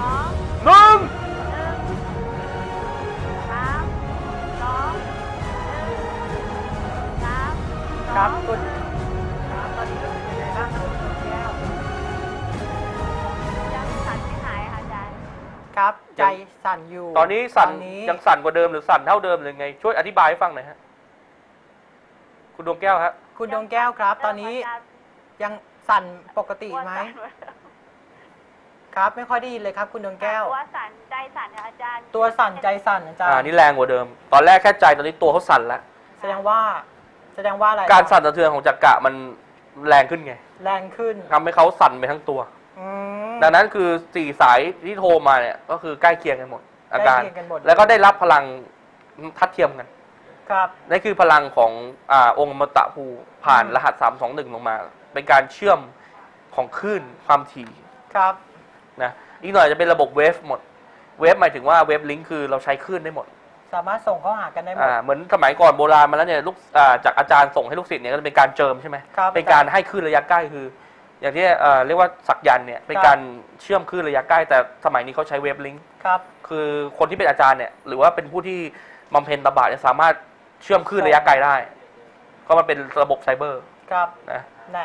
หนึ่งครับคุณครับตอนนี้รู้สึกยังไงบ้างครับคุณดวงแก้วยังสั่นไม่หายค่ะอาจารย์ครับใจสั่นอยู่ตอนนี้สั่นยังสั่นกว่าเดิมหรือสั่นเท่าเดิมหรือไงช่วยอธิบายให้ฟังหน่อยฮะคุณดวงแก้วฮะคุณดวงแก้วครับ ตอนนี้ยังสั่นปกติไหมครับไม่ค่อยได้ยินเลยครับ คุณดวงแก้วตัวสั่นใจสั่นค่ะอาจารย์ตัวสั่นใจสั่นอาจารย์นี่แรงกว่าเดิม ตอนแรกแค่ใจตอนนี้ตัวเขาสั่นแล้วแสดงว่าอะไรการสั่นสะเทือนของจักระมันแรงขึ้นไงแรงขึ้นทำให้เขาสั่นไปทั้งตัว ดังนั้นคือ4 สายที่โทรมาเนี่ยก็คือใกล้เคียงกันหมดอาการใกล้เคียงกันหมดแล้วก็ได้รับพลังทัดเทียมกันครับนั่นคือพลังขององค์อมตะภูผ่านรหัส321ลงมา เป็นการเชื่อมของคลื่นความถี่ครับนะอีกหน่อยจะเป็นระบบเวฟหมดเวฟหมายถึงว่าเวฟลิงก์คือเราใช้คลื่นได้หมดสามารถส่งเข้าหากันได้หมดเหมือนสมัยก่อนโบราณมาแล้วเนี่ยลูกจากอาจารย์ส่งให้ลูกศิษย์เนี่ยก็จะเป็นการเจิมใช่ไหมเป็นการให้คลื่นระยะใกล้คืออย่างที่เรียกว่าสักยันต์เนี่ยเป็นการเชื่อมคลื่นระยะใกล้แต่สมัยนี้เขาใช้เวฟลิงก์คือคนที่เป็นอาจารย์เนี่ยหรือว่าเป็นผู้ที่บำเพ็ญตบะจะสามารถเชื่อมคลื่นระยะไกลได้ก็มันเป็นระบบไซเบอร์ครับนะ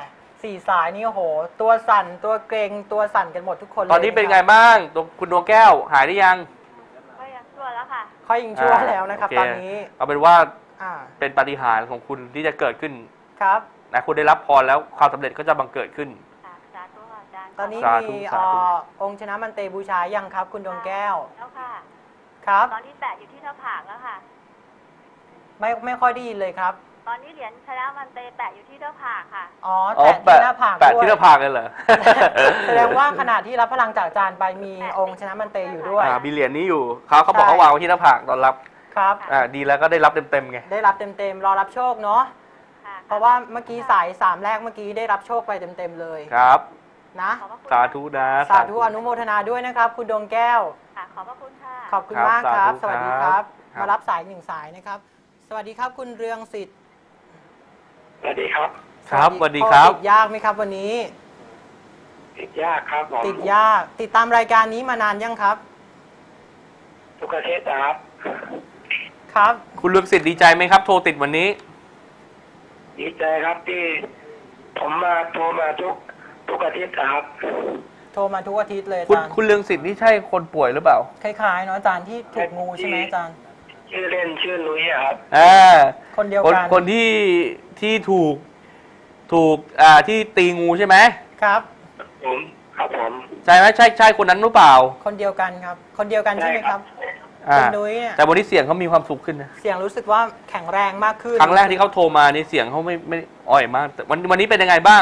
4 สายนี่โอ้โหตัวสั่นตัวเกรงตัวสั่นกันหมดทุกคนเลยตอนนี้เป็นไงบ้างคุณดวงแก้วหายได้ยังก็ยังชั่วแล้วค่ะค่อยยังชั่วแล้วนะครับตอนนี้เอาเป็นว่าเป็นปาฏิหาริย์ของคุณที่จะเกิดขึ้นครับนะคุณได้รับพรแล้วความสำเร็จก็จะบังเกิดขึ้นสาธุค่ะอาจารย์ตอนนี้มีองค์ชนะมันเตบูชายังครับคุณดวงแก้วแล้วค่ะครับตอนที่แปะอยู่ที่หน้าผากแล้วค่ะไม่ค่อยได้ยินเลยครับตอนนี้เหรียญชนะมันเตแปะอยู่ที่หน้าผากค่ะแปะที่หน้าผากแปะที่หน้าผากเลยเหรอแสดงว่าขณะที่รับพลังจากอาจารย์ไปมีองค์ชนะมันเตอยู่ด้วยมีเหรียญนี้อยู่เขาบอกเขาวางไว้ที่หน้าผากตอนรับครับดีแล้วก็ได้รับเต็มๆไงได้รับเต็มๆรอรับโชคเนาะเพราะว่าเมื่อกี้สาย3แรกเมื่อกี้ได้รับโชคไปเต็มๆเลยครับนะสาธุนะสาธุอนุโมทนาด้วยนะครับคุณดวงแก้วขอบพระคุณค่ะขอบคุณมากครับสวัสดีครับมารับสาย1 สายนะครับสวัสดีครับคุณเรืองสิทธิ์สวัสดีครับครับสวัสดีครับติดยากไหมครับวันนี้ติดยากครับติดยากติดตามรายการนี้มานานยังครับทุกอาทิตย์ครับครับคุณเรืองสิทธิ์ดีใจไหมครับโทรติดวันนี้ดีใจครับที่ผมมาโทรมาทุกอาทิตย์ครับโทรมาทุกอาทิตย์เลยอาจารย์คุณเรืองสิทธิ์นี่ใช่คนป่วยหรือเปล่าคล้ายๆเนาะอาจารย์ที่ถูกงูใช่ไหมอาจารย์ชื่อเล่นชื่อนุ้ยครับคนเดียวกันคนที่ถูกที่ตีงูใช่ไหมครับผมใช่ไหมใช่คนนั้นหรือเปล่าคนเดียวกันครับคนเดียวกันใช่ไหมครับคุณนุ้ยแต่วันนี้เสียงเขามีความสุขขึ้นนะเสียงรู้สึกว่าแข็งแรงมากขึ้นครั้งแรกที่เขาโทรมานี่เสียงเขาไม่อ่อยมากแต่วันนี้เป็นยังไงบ้าง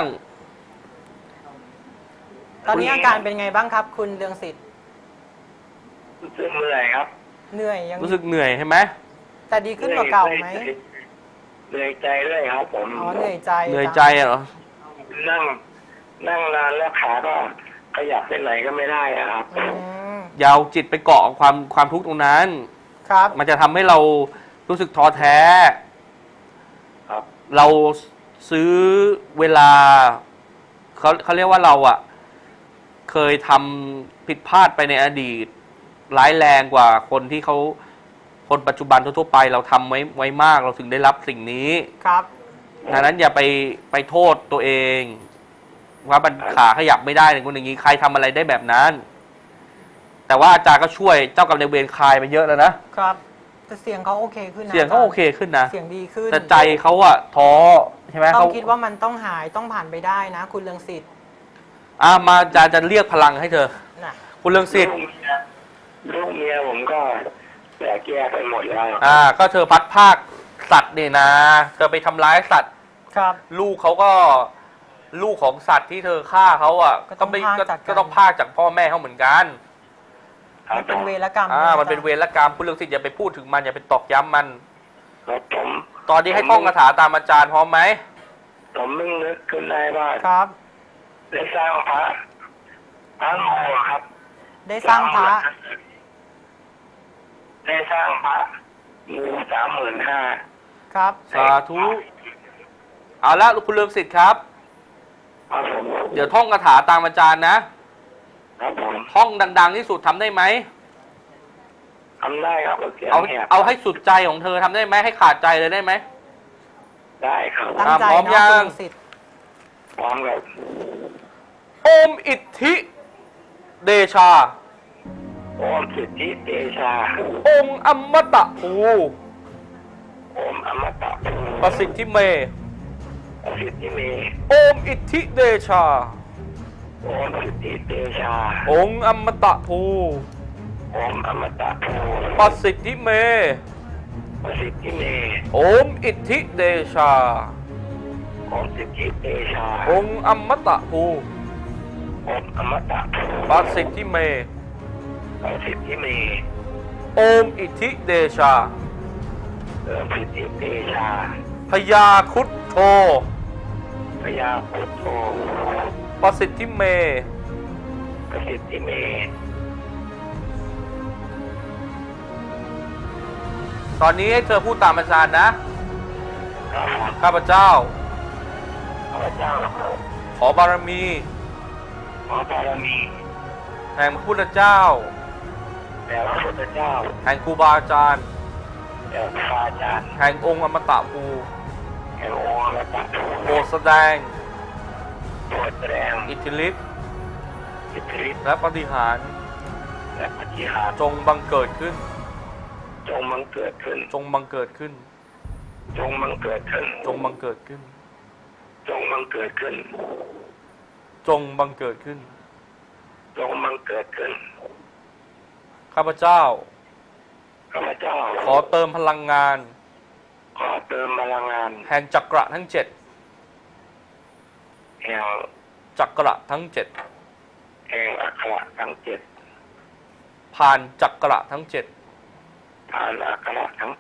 ตอนนี้อาการเป็นไงบ้างครับคุณเรืองสิทธิ์รู้สึกเหนื่อยครับเหนื่อยยังรู้สึกเหนื่อยใช่ไหมแต่ดีขึ้นกว่าเก่าไหมเหนื่อยใจด้วยครับผมเหนื่อยใจเหรอนั่งนานแล้วขาก็ขยับไปไหนก็ไม่ได้ครับยาวจิตไปเกาะความทุกข์ตรงนั้นครับมันจะทำให้เรารู้สึกท้อแท้ครับเราซื้อเวลาเขาเรียกว่าเราเคยทำผิดพลาดไปในอดีตร้ายแรงกว่าคนปัจจุบันทั่วไปเราทำไว้มากเราถึงได้รับสิ่งนี้ครับดังนั้นอย่าไปโทษตัวเองว่ามันขาขยับไม่ได้อย่างคนอย่างนี้ใครทำอะไรได้แบบนั้นแต่ว่าอาจารย์ก็ช่วยเจ้ากรรมนายเวรคลายไปเยอะแล้วนะครับแต่เสียงเขาโอเคขึ้นนะเสียงเขาโอเคขึ้นนะเสียงดีขึ้นแต่ใจเขาท้อใช่ไหมต้องคิดว่ามันต้องหายต้องผ่านไปได้นะคุณเรืองสิทธิ์มาอาจารย์จะเรียกพลังให้เธอคุณเรืองสิทธิ์ลูกเมียผมก็แตกแยกไปหมดแล้วก็เธอพัดภาคสัตว์เนี่ยนะเธอไปทำร้ายสัตว์ครับลูกเขาก็ลูกของสัตว์ที่เธอฆ่าเขาก็ต้องพากจากพ่อแม่เขาเหมือนกันมันเป็นเวรกรรมมันเป็นเวรกรรมคุณเรืองสิทธิ์อย่าไปพูดถึงมันอย่าไปตอกย้ำมันตอนนี้ให้ท่องคาถาตามอาจารย์พร้อมไหมผมนึกขึ้นได้ว่าครับได้สร้างพระโมครับได้สร้างพระงู35,000 ครับสาธุเอาละคุณเรืองสิทธิ์ครับเดี๋ยวท่องคาถาตามอาจารย์นะครับผมท่องดังๆที่สุดทำได้ไหมทำได้ครับเอาให้สุดใจของเธอทำได้ไหมให้ขาดใจเลยได้ไหมได้ครับพร้อมยังพร้อมครับโอมอิทธิเดชาโอมอิทธิเดชาองค์อมตะภูองค์อมตะภูประสิทธิเมโอมอิทธิเดชาองค์อิทธิเดชาองค์อมตะภูองค์อมตะภูประสิทธิเมโอมอิทธิเดชาองค์อิทธิเดชาองค์อมตะภูองค์อมตะภูประสิทธิเมโอมอิทธิเดชาพญาครุฑโธพญาครุฑโธปประสิทธิเมประสิทธิเมตอนนี้ให้เธอพูดตามอาจารย์นะข้าพเจ้าข้าพเจ้าขอบารมีขอบารมีแห่งพระพุทธเจ้าแด่พระพุทธเจ้าแห่งครูบาอาจารย์แด่พระอาจารย์แห่งองค์อมตะภูแห่งองค์อมตะภูโปรดแสดงโปรดแสดงอิทธิฤทธิ์อิทธิฤทธิ์และปาฏิหาริย์และปฏิหารย์จงบังเกิดขึ้นจงบังเกิดขึ้นจงบังเกิดขึ้นจงบังเกิดขึ้นจงบังเกิดขึ้นจงบังเกิดขึ้นจงบังเกิดขึ้นจงบังเกิดขึ้นข้าพเจ้าข้าพเจ้าขอเติมพลังงานขอเติมพลังงานแห่งจักระทั้ง 7 แห่งจักระทั้งแห่งอัคระทั้ง 7 ผ่านจักระทั้ง 7 ผ่านอัคระทั้ง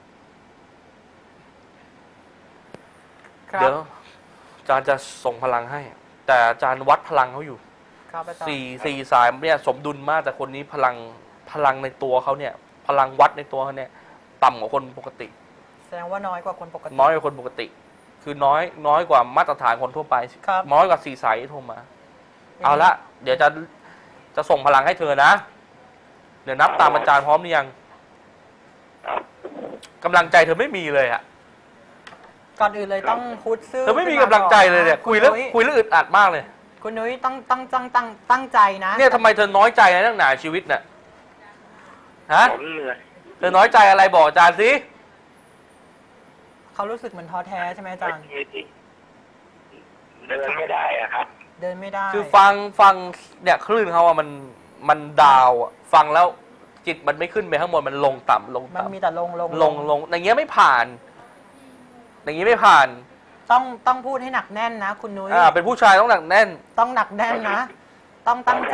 ครัเดี๋บยวอาจารย์จะส่งพลังให้ แต่อาจารย์วัดพลังเขาอยู่ครับอาจารย์สี่สายเนี่ยสมดุลมากแต่คนนี้พลังในตัวเขาเนี่ย พลังวัดในตัวเขาเนี่ยต่ำกว่าคนปกติแสดงว่าน้อยกว่าคนปกติน้อยกว่าคนปกติ คือน้อยกว่ามาตรฐานคนทั่วไปครับน้อยกว่า4 สายที่โทรมา เอาละเดี๋ยวจะส่งพลังให้เธอนะ เดี๋ยวนับตามอาจารย์พร้อมหรือยังกำลังใจเธอไม่มีเลยอะก่อนอื่นเลยต้องพุทธซื่อเธอไม่มีกำลังใจเลยเนี่ยคุยแล้วอึดอัดมากเลยคุณนุ้ยตั้งใจนะเนี่ยทำไมเธอน้อยใจในเรื่องหนาชีวิตน่ะฮะ 7ผมเหนื่อยเธอน้อยใจอะไรบอกอาจารย์สิเขารู้สึกเหมือนท้อแท้ใช่ไหมอาจารย์เดินไม่ได้อะครับเดินไม่ได้คือฟังเนี่ยคลื่นเขาอะมันดาวอะฟังแล้วจิตมันไม่ขึ้นไปข้างบนมันลงต่ำมันมีแต่ลงอย่างเงี้ยไม่ผ่าน อย่างงี้ไม่ผ่านต้องพูดให้หนักแน่นนะคุณนุ้ยเป็นผู้ชายต้องหนักแน่นต้องหนักแน่นนะ ต้องตั้งใจ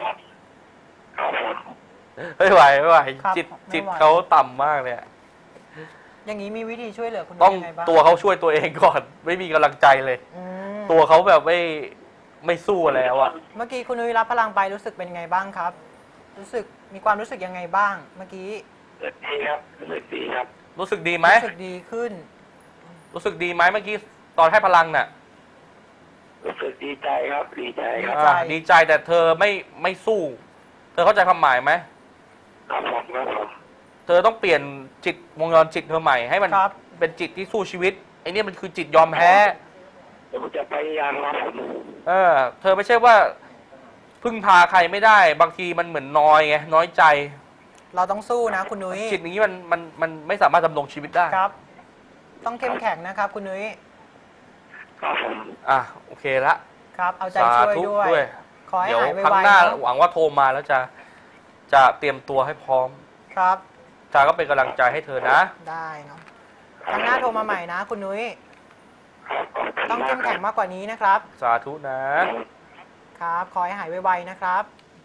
ไม่ไหวครับจิตไม่ไหวเขาต่ำมากเลยอะอย่างนี้มีวิธีช่วยเหลือคุณนุ้ต้อย งยังไงบ้างตัวเขาช่วยตัวเองก่อน ไม่มีกำลังใจเลยอืมตัวเขาแบบไม่สู้แล้วอะเมื่อกี้คุณนุ้ยรับพลังไปรู้สึกเป็นยังไงบ้างครับ มีความรู้สึกยังไงบ้าง เมื่อกี้รู้สึกดีครับรู้สึกดีครับรู้สึกดีไหมรู้สึกดีขึ้นรู้สึกดีไหมเมื่อกี้ตอนให้พลังน่ะรู้สึกดีใจครับดีใจครับใจดีใจแต่เธอไม่สู้ เธอเข้าใจความหมายไหมครับผมครับผมเธอต้องเปลี่ยนจิตวงจรจิตเธอใหม่ให้มันครับเป็นจิตที่สู้ชีวิตไอ้นี่มันคือจิตยอมแพ้ผมจะพยายามครับผมเธอไม่ใช่ว่าพึ่งพาใครไม่ได้ บางทีมันเหมือนน้อยไงน้อยใจเราต้องสู้นะคุณนุ้ยจิตอย่างนี้มันไม่สามารถดำรงชีวิตได้ครับ ต้องเข้มแข็งนะครับ คุณนุ้ยครับผมโอเคละครับ เอาใจสาช่วยธุด้วยด้วยขอให้เดี๋ยวหายครั้งไวหน้าๆเนอะหวังว่าโทรมาแล้วจะเตรียมตัวให้พร้อมครับจาก็เป็นกำลังใจให้เธอนะได้เนาะครั้งหน้าโทรมาใหม่นะ คุณนุ้ยครับขบคุณต้องเข้มแข็งากมากกว่านี้นะครับสาธุนะครับ ขอให้หายไวๆนะครับ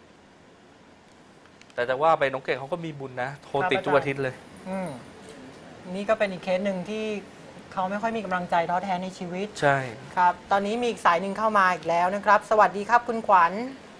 แต่จะว่าไปน้องเก่งเขาก็มีบุญนะ โทรติดทุกอาทิตย์เลยอืมนี่ก็เป็นอีกเคสหนึ่งที่เขาไม่ค่อยมีกำลังใจท้อแท้ในชีวิตใช่ครับ ตอนนี้มีอีกสายหนึ่งเข้ามาอีกแล้วนะครับ สวัสดีครับคุณขวัญ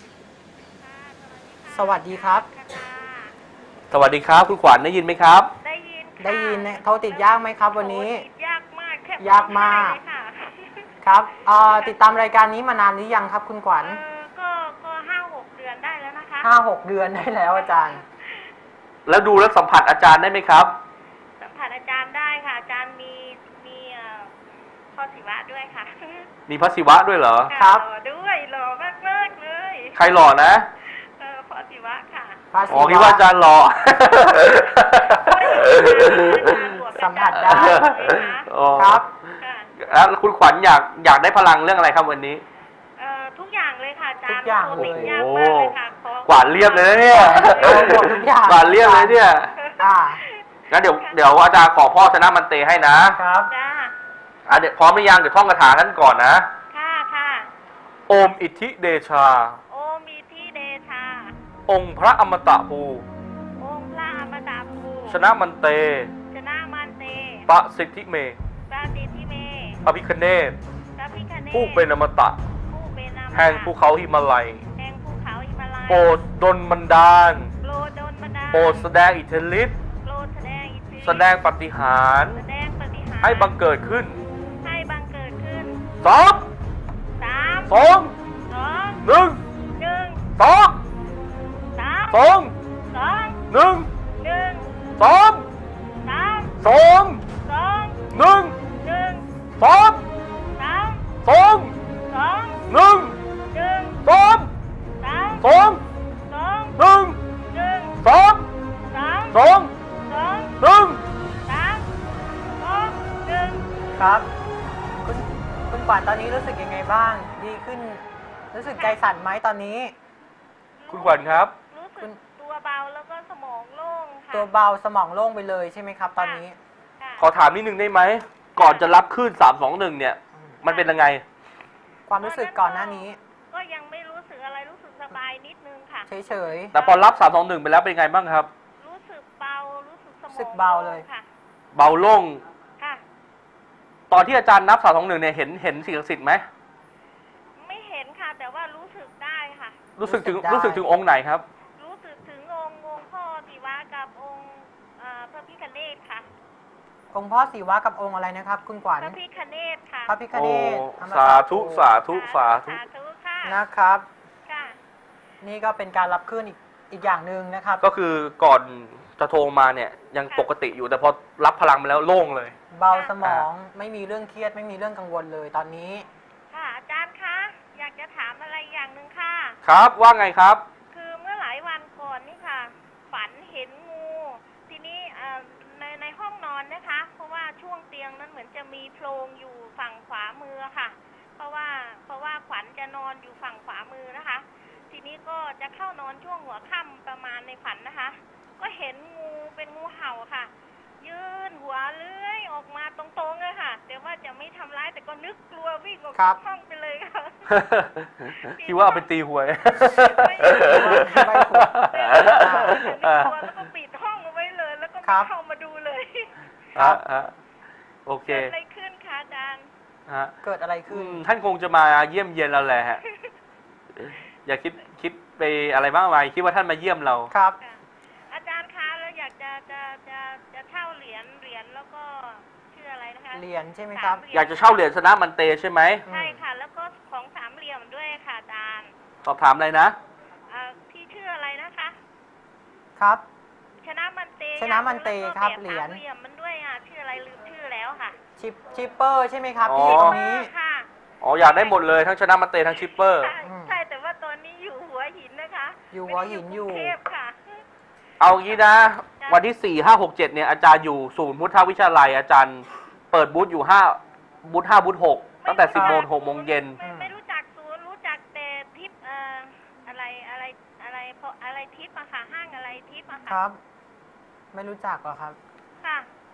สวัสดีครับสวัสดีครับคุณขวัญได้ยินไหมครับได้ยินค่ะได้ยินนะโทรติดยากไหมครับวันนี้โอ้ติดยากมากแค่ยากมากร้องไห้เลยค่ะครับติดตามรายการนี้มานานหรือยังครับ คุณขวัญก็5-6 เดือนได้แล้วนะคะ 5-6 เดือนได้แล้วอาจารย์แล้วดูแล้วสัมผัสอาจารย์ได้ไหมครับสัมผัสอาจารย์ได้ค่ะ อาจารย์มีพ่อศิวะด้วยค่ะมีพระศิวะด้วยเหรอครับหล่อด้วยหล่อมากๆเลยใครหล่อนะพ่อศิวะค่ะพระศิอ๋อคิดว่าอาจารย์หล่อสัมผัสได้อ๋อครับค่ะแล้วคุณขวัญอยากได้พลังเรื่องอะไรครับวันนี้ทุกอย่างเลยค่ะอาจารย์ทุกอย่างโทรติดเลยยากมากเลยค่ะขอกวาดเรียบเลยนะเนี่ยเอาหมดทุกอย่างกวาดเรียบเลยเนี่ยอ่างั้นเดี๋ยวอาจารย์ขอพ่อชนะมันเตให้นะครับจ้าเดี๋ยวพร้อมหรือยังเดี๋ยวท่องคาถาท่านก่อนนะค่ะค่ะโอมอิทธิเดชาโอมีที่เดชาองค์พระอมตะภูองค์พระอมตะภูชนะมันเตชนะมันเตปะสิทธิเมปราติทิเมพระพิคเนศพระพิคเนศผู้เป็นอมตะผู้เป็นอแห่งภูเขาหิมาลัยแห่งภูเขาหิมาลัยโปรดดลบันดาลโปรดดลบันดาลโปรดแสดงอิทธิฤทธิ์โปรดแสดงอิทธิฤทธิ์แสดงปาฏิหาริย์แสดงปาฏิหาริย์ให้บังเกิดขึ้นให้บังเกิดขึ้นสองสามสองสองหนึ่งหนึ่งสองสามสองสองหนึ่งหนึ่งสองสามสองสองหนึ่งหนึ่งสองสามสองสองหนึ่งหนึ่งสองสามสองสองหนึ่งหนึ่งสองสามสองสองหนึ่งสามสองหนึ่งครับคุณขวัญตอนนี้รู้สึกยังไงบ้าง ดีขึ้น รู้สึกใจสั่นไหมตอนนี้คุณขวัญครับรู้สึกตัวเบาแล้วก็สมองโล่งค่ะตัวเบาสมองโล่งไปเลยใช่ไหมครับ ตอนนี้ค่ะขอถามนิดนึงได้ไหม ก่อนจะรับขึ้น321เนี่ย มันเป็นยังไงความรู้สึกก่อนหน้านี้ก็ยังไม่รู้สึกอะไรรู้สึกสบายนิดนึงค่ะเฉยแต่พอรับ321ไปแล้วเป็นไงบ้างครับรู้สึกเบารู้สึกสมองรู้สึกเบาเลยค่ะเบาโล่งค่ะตอนที่อาจารย์นับ321เนี่ยเห็นสิ่งศักดิ์สิทธิ์ไหมไม่เห็นค่ะ แต่ว่ารู้สึกได้ค่ะรู้สึกถึงองค์ไหนครับรู้สึกถึงองค์พ่อศิวะกับองค์พระพิฆเนศค่ะๆ องค์พ่อศิวะกับองค์อะไรนะครับ คุณขวัญพระพิฆเนศค่ะพระพิฆเนศโอ้อมตะสาธุสาธุสาธุสาธุค่ะนะครับค่ะนี่ก็เป็นการรับขึ้นอีกอย่างหนึ่งนะครับก็คือก่อนจะโทรมาเนี่ยยังปกติอยู่แต่พอรับพลังมาแล้วโล่งเลยเบาสมองไม่มีเรื่องเครียดไม่มีเรื่องกังวลเลยตอนนี้ค่ะอาจารย์คะอยากจะถามอะไรอย่างหนึ่งค่ะครับว่าไงครับคือเมื่อหลายวันก่อนนี่ค่ะ ฝันเห็นงู ทีนี้ในห้องนอนนะคะ เพราะว่าช่วงเตียงนั้นเหมือนจะมีโพรงอยู่ฝั่งขวามือค่ะ เพราะว่าขวัญจะนอนอยู่ฝั่งขวามือนะคะ ทีนี้ก็จะเข้านอนช่วงหัวค่ำประมาณในฝันนะคะ ก็เห็นงูเป็นงูเห่าค่ะ ยื่นหัวเลื้อยออกมาตรงๆเลยค่ะแต่ว่าจะไม่ทำร้ายแต่ก็นึกกลัววิ่งออกครัจากบห้องไปเลยค่ะคิดว่าเอาไปตีหวยไม่กลัวแล้วก็ปิดห้องเอาไว้เลย แล้วก็ไม่เข้ามาดูเลยโอเคเกิดอะไรขึ้นคะอาจารย์เกิดอะไรขึ้นท่านคงจะมาเยี่ยมเยียนเราแหละฮะ อย่าคิดไปอะไรมากมายคิดว่าท่านมาเยี่ยมเราครับอาจารย์คะแล้วอยากจะเช่าเหรียญแล้วก็ชื่ออะไรนะคะเหรียญใช่ไหมครับอยากจะเช่าเหรียญสนะมันเตใช่ไหมใช่ค่ะ แล้วก็ของสามเหลี่ยมด้วยค่ะอาจารย์สอบถามอะไรนะพี่ชื่ออะไรนะคะครับชนะมันเตชนะมันเตครับแล้วก็แเหรียญสามเหลี่ยมมันด้วยชื่ออะไรลืมชื่อแล้วค่ะชิปเปอร์ใช่ไหมครับอ๋อที่ตรงนี้ค่ะอ๋ออยากได้หมดเลยทั้งชนะมันเตทั้งชิปเปอร์ใช่แต่ว่าตอนนี้อยู่หัวหินนะคะอยู่หัวหินอยู่ไม่ได้กรุงเทพค่ะเอางี้นะ วันที่ 4 5 6 7เนี่ยอาจารย์อยู่ศูนย์พุทธวิชาลัยอาจารย์เปิดบูธอยู่บูธ5บูธ6ตั้งแต่ 10 โมง 6 โมงเย็นไม่รู้จักศูนย์รู้จักแต่ทิปอะไรทิปอะค่ะ ห้างอะไรทิปอะคค่ะรับ ไม่รู้จักเหรอครับค่ะ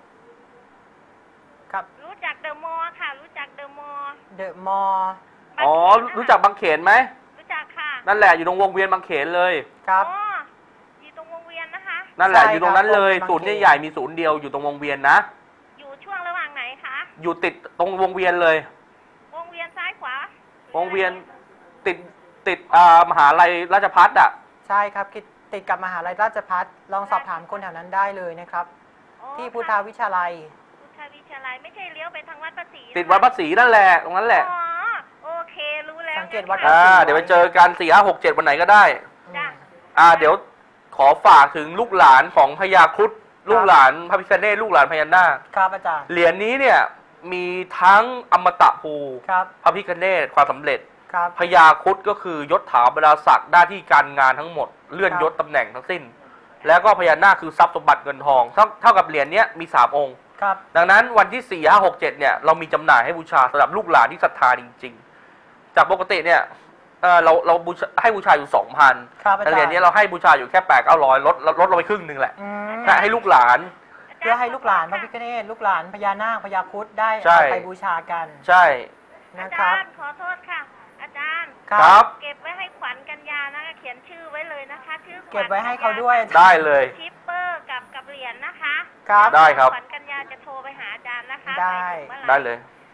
ครับรู้จักเดอะมอลล์ค่ะ รู้จักเดอะมอลล์เดอะมอลล์อ๋อ รู้จักบางเขนไหมรู้จักค่ะนั่นแหละอยู่ตรงวงเวียนบางเขนเลยครับอ๋ออยู่ตรงวงเวียนนะคะนั่นแหละใช่อยู่ตรงนั้นเลยครับศูนย์ใหญ่ๆมีศูนย์เดียวอยู่ตรงวงเวียนนะอยู่ช่วงระหว่างไหนคะอยู่ติดตรงวงเวียนเลยวงเวียนซ้ายขวาวงเวียนติดมหาลัยราชภัฏอ่ะใช่ครับติดกับมหาลัยราชภัฏลองสอบถามคนแถวนั้นได้เลยนะครับอ๋อที่พุทธวิชาลัยพุทธวิชาลัยไม่ใช่เลี้ยวไปทางวัดประศรีติดวัดพระศรีนั่นแหละตรงนั้นแหละอ๋อโอเครู้แล้วสังเกตวัดค่ะเดี๋ยวไปเจอกัน4 5 6 7วันไหนก็ได้จ้ะเดี๋ยวขอฝากถึงลูกหลานของพญาครุฑลูกหลานพระพิฆเนศลูกหลานพญานาคครับอาจารย์เหรียญนี้เนี่ยมีทั้งอมตะภูครับพระพิฆเนศความสำเร็จครับพญาครุฑก็คือยศถาบรรดาศักดิ์หน้าที่การงานทั้งหมดเลื่อนยศตำแหน่งทั้งสิ้น แล้วก็พญานาคคือทรัพย์สมบัติเงินทองเท่ากับเหรียญนี้มี3องค์ครับดังนั้นวันที่ 4 5 6 7เนี่ยเรามีจำหน่ายให้บูชาสำหรับลูกหลานที่ศรัทธาจริงๆจากปกติเนี่ยเราให้บูชาอยู่ 2,000 ครับอาแต่จารย์เหรียญนี้เราให้บูชาอยู่แค่800-900ลดลงไปครึ่งหนึ่งแหละอืมให้ลูกหลานเพื่อให้ลูกหลานพระพิฆเนศลูกหลานพญานาคพญาครุฑได้ใช่เอาไปบูชากันใช่อานะคจารับรย์ขอโทษค่ะ อาจารย์ครับเก็บไว้ให้ขวัญกัญญานะคะเขียนชื่อไว้เลยนะคะชื่อขวัญเก็บไว้ให้เขาด้วยได้เลยชิปเปอร์กับเหรียญนะคะครับได้ครับขวัญกัญญาจะโทรไปหาอาจารย์นะคะได้ปถึงมื่อหร่ได้เลยค่ะ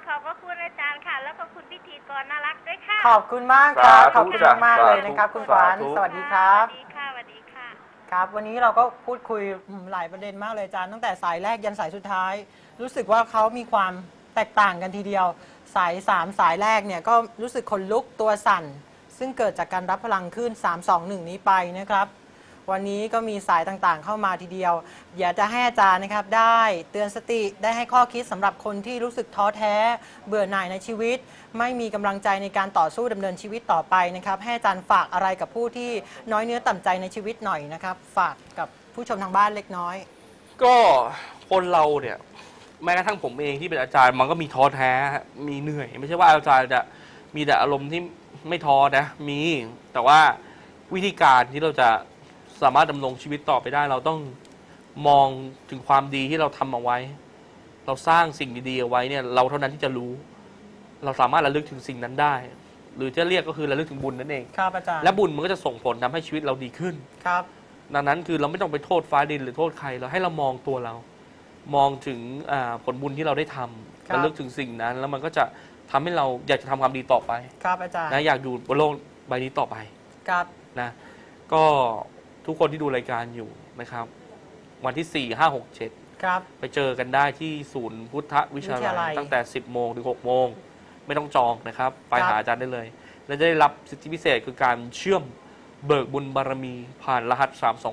ขอบพระคุณอาจารย์ค่ะ แล้วก็คุณพิธีกรน่ารักด้วยค่ะขอบคุณมากครับขอบคุณมากเลยนะครับคุณขวัญสวัสดีครับสวัสดีค่ะสวัสดีค่ะครับวันนี้เราก็พูดคุยหลายประเด็นมากเลยอาจารย์ตั้งแต่สายแรกยันสายสุดท้ายรู้สึกว่าเขามีความแตกต่างกันทีเดียวสาย3สายแรกเนี่ยก็รู้สึกขนลุกตัวสั่นซึ่งเกิดจากการรับพลังขึ้น321นี้ไปนะครับวันนี้ก็มีสายต่างๆเข้ามาทีเดียวอยากจะให้อาจารย์นะครับได้เตือนสติได้ให้ข้อคิดสำหรับคนที่รู้สึกท้อแท้เบื่อหน่ายในชีวิตไม่มีกำลังใจในการต่อสู้ดำเนินชีวิตต่อไปนะครับให้อาจารย์ฝากอะไรกับผู้ที่น้อยเนื้อต่ำใจในชีวิตหน่อยนะครับฝากกับผู้ชมทางบ้านเล็กน้อยก็คนเราเนี่ยแม้กระทั่งผมเองที่เป็นอาจารย์มันก็มีท้อแท้มีเหนื่อยไม่ใช่ว่าอาจารย์จะมีแต่อารมณ์ที่ไม่ท้อนะมีแต่ว่าวิธีการที่เราจะสามารถดำรงชีวิตต่อไปได้เราต้องมองถึงความดีที่เราทำเอาไว้เราสร้างสิ่งดีๆเอาไว้เนี่ยเราเท่านั้นที่จะรู้เราสามารถระลึกถึงสิ่งนั้นได้หรือจะเรียกก็คือระลึกถึงบุญนั่นเองครับอาจารย์และบุญมันก็จะส่งผลทำให้ชีวิตเราดีขึ้นครับดังนั้นคือเราไม่ต้องไปโทษฟ้าดินหรือโทษใครเราให้เรามองตัวเรามองถึงผลบุญที่เราได้ทำระลึกถึงสิ่งนั้นแล้วมันก็จะทำให้เราอยากจะทำความดีต่อไปครับอาจารย์นะอยากอยู่บนโลกใบนี้ต่อไปครับนะก็ทุกคนที่ดูรายการอยู่นะครับวันที่4 5 6 7 ครับไปเจอกันได้ที่ศูนย์พุทธวิชาลัยตั้งแต่10 โมงถึง6 โมงไม่ต้องจองนะครับไปหาอาจารย์ได้เลยและจะได้รับสิทธิพิเศษคือการเชื่อมเบิกบุญบารมีผ่านรหัส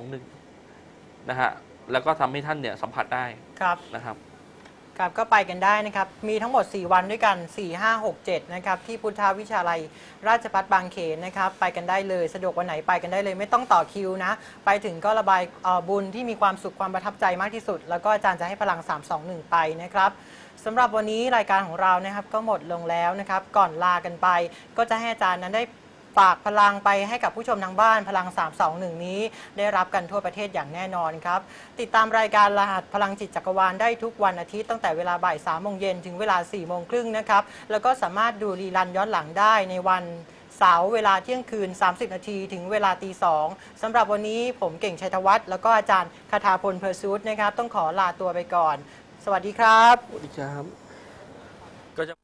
321นะฮะแล้วก็ทำให้ท่านเนี่ยสัมผัสได้นะครับครับก็ไปกันได้นะครับมีทั้งหมด4วันด้วยกัน4 5 6 7นะครับที่พุทธวิชาลัยราชภัฏบางเขนนะครับไปกันได้เลยสะดวกวันไหนไปกันได้เลยไม่ต้องต่อคิวนะไปถึงก็ระบายบุญที่มีความสุขความประทับใจมากที่สุดแล้วก็อาจารย์จะให้พลัง321ไปนะครับสำหรับวันนี้รายการของเรานะครับก็หมดลงแล้วนะครับก่อนลากันไปก็จะให้อาจารย์นั้นได้ฝากพลังไปให้กับผู้ชมทางบ้านพลัง321นี้ได้รับกันทั่วประเทศอย่างแน่นอนครับติดตามรายการรหัสพลังจิตจักรวาลได้ทุกวันอาทิตย์ตั้งแต่เวลาบ่าย3 โมงเย็นถึงเวลา4 โมงครึ่งนะครับแล้วก็สามารถดูรีรันย้อนหลังได้ในวันเสาร์เวลาเที่ยงคืน30 นาทีถึงเวลาตี 2สำหรับวันนี้ผมเก่งชัยธวัฒน์แล้วก็อาจารย์คทาพลเพอร์ซูดนะครับต้องขอลาตัวไปก่อนสวัสดีครับสวัสดีครับก็จะ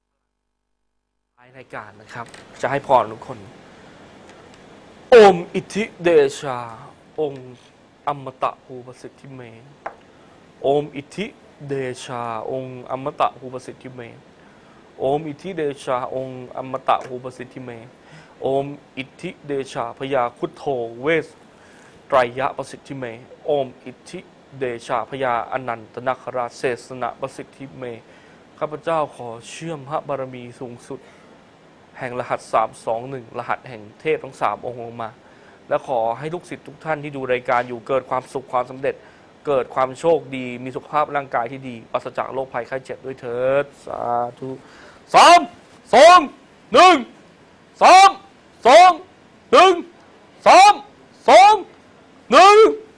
รายการนะครับจะให้พรทุกคนโอมอิทธิเดชาองค์อมตะภูประสิทธิเมโอมอิทธิเดชาองค์อมตะภูประสิทธิเมโอมอิทธิเดชาองค์อมตะภูประสิทธิเมโอมอิทธิเดชาพญาคุโธเวสไตรยะประสิทธิเมโอมอิทธิเดชาพญาอนันตนาคราชเสสนะประสิทธิเมข้าพเจ้าขอเชื่อมพระบารมีสูงสุดแห่งรหัส321รหัสแห่งเทพทั้ง3องค์ลงมาและขอให้ลูกศิษย์ทุกท่านที่ดูรายการอยู่เกิดความสุขความสำเร็จเกิดความโชคดีมีสุขภาพร่างกายที่ดีปราศจากโรคภัยไข้เจ็บด้วยเถิดสาธุ3 2 1 3 2 1 3 2 1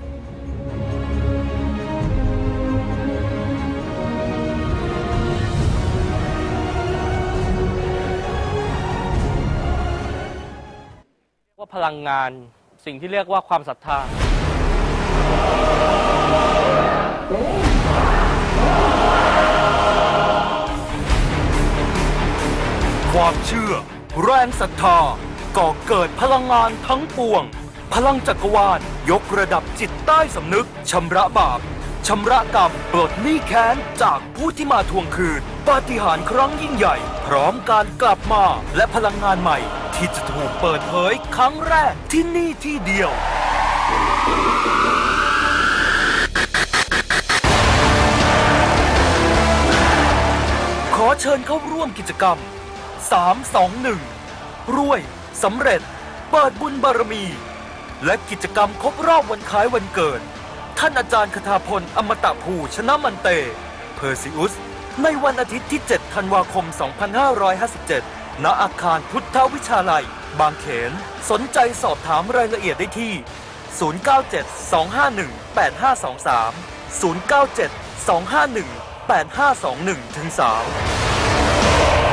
ว่าพลังงานสิ่งที่เรียกว่าความศรัทธาความเชื่อแรงศรัทธาก่อเกิดพลังงานทั้งปวงพลังจักรวาลยกระดับจิตใต้สำนึกชำระบาปชำระกรรมปลดหนี้แค้นจากผู้ที่มาทวงคืนปาฏิหาริย์ครั้งยิ่งใหญ่พร้อมการกลับมาและพลังงานใหม่ที่จะถูกเปิดเผยครั้งแรกที่นี่ที่เดียวขอเชิญเข้าร่วมกิจกรรม321รวยสำเร็จเปิดบุญบารมีและกิจกรรมครบรอบวันคล้ายวันเกิดท่านอาจารย์คทาพลอมตะภูชนะมันเตเพอร์ซิอุสในวันอาทิตย์ที่7 ธันวาคม 2557 ณ อาคารพุทธวิชาลัยบางเขนสนใจสอบถามรายละเอียดได้ที่ 097-251-8523 097-251-8521-3